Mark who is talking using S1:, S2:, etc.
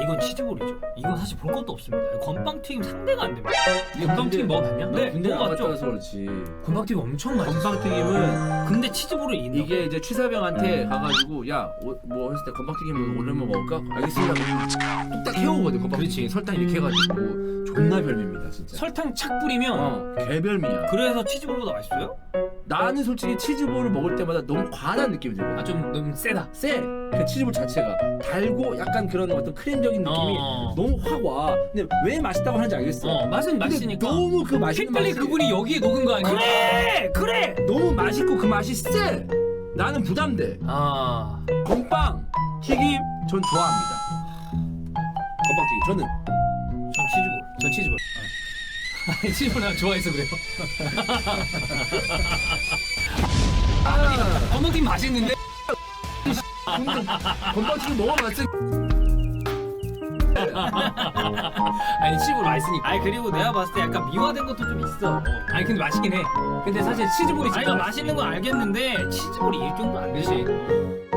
S1: 이건 치즈볼이죠. 이건 사실 볼 것도 없습니다. 건빵튀김 상대가 안 됩니다.
S2: 건빵튀김 먹어봤냐?
S1: 네,
S3: 군대
S1: 먹어봤죠.
S3: 나갔다서 그렇지.
S2: 건빵튀김 엄청 맛있어.
S3: 건빵튀김은
S1: 근데 치즈볼을 이긴다.
S3: 이게 이제 취사병한테 가가지고 야 뭐 했을 때 건빵튀김 오늘만 먹을까? 알겠습니다. 뚝딱 해오거든 건빵튀김. 설탕 이렇게 해가지고 존나 별미입니다 진짜.
S2: 설탕 착 뿌리면
S3: 개별미야.
S1: 그래서 치즈볼보다 맛있어요?
S3: 나는 솔직히 치즈볼을 먹을 때마다 너무 과한 느낌이 들거든.
S2: 좀 너무 세다.
S3: 쎄! 그 치즈볼 자체가 달고 약간 그런 어떤 크림적인 느낌이 너무 확 와. 근데 왜 맛있다고 하는지 알겠어.
S2: 맛은
S3: 근데
S2: 맛있으니까.
S3: 너무 그 맛있는
S2: 핏발리
S3: 맛이
S2: 그분이 여기에 녹은 거 아니야?
S1: 그래.
S3: 너무 맛있고 그 맛이 쎄! 나는 부담돼. 건빵 튀김 전 좋아합니다. 건빵 튀김 저는
S1: 전 치즈볼.
S2: 전 치즈볼. 아니 치즈볼 난 좋아해서 그래요. 건빵튀김 맛있는데?
S3: 건빵 튀김 먹어봤어.
S2: 아니 치즈볼 맛있으니까.
S1: 아니 그리고 내가 봤을 때 약간 미화된 것도 좀 있어.
S2: 아니 근데 맛있긴 해. 근데 사실 치즈볼이
S1: 아니
S2: 진짜
S1: 맛있는 건 알겠는데 치즈볼이 일 정도 안 되지.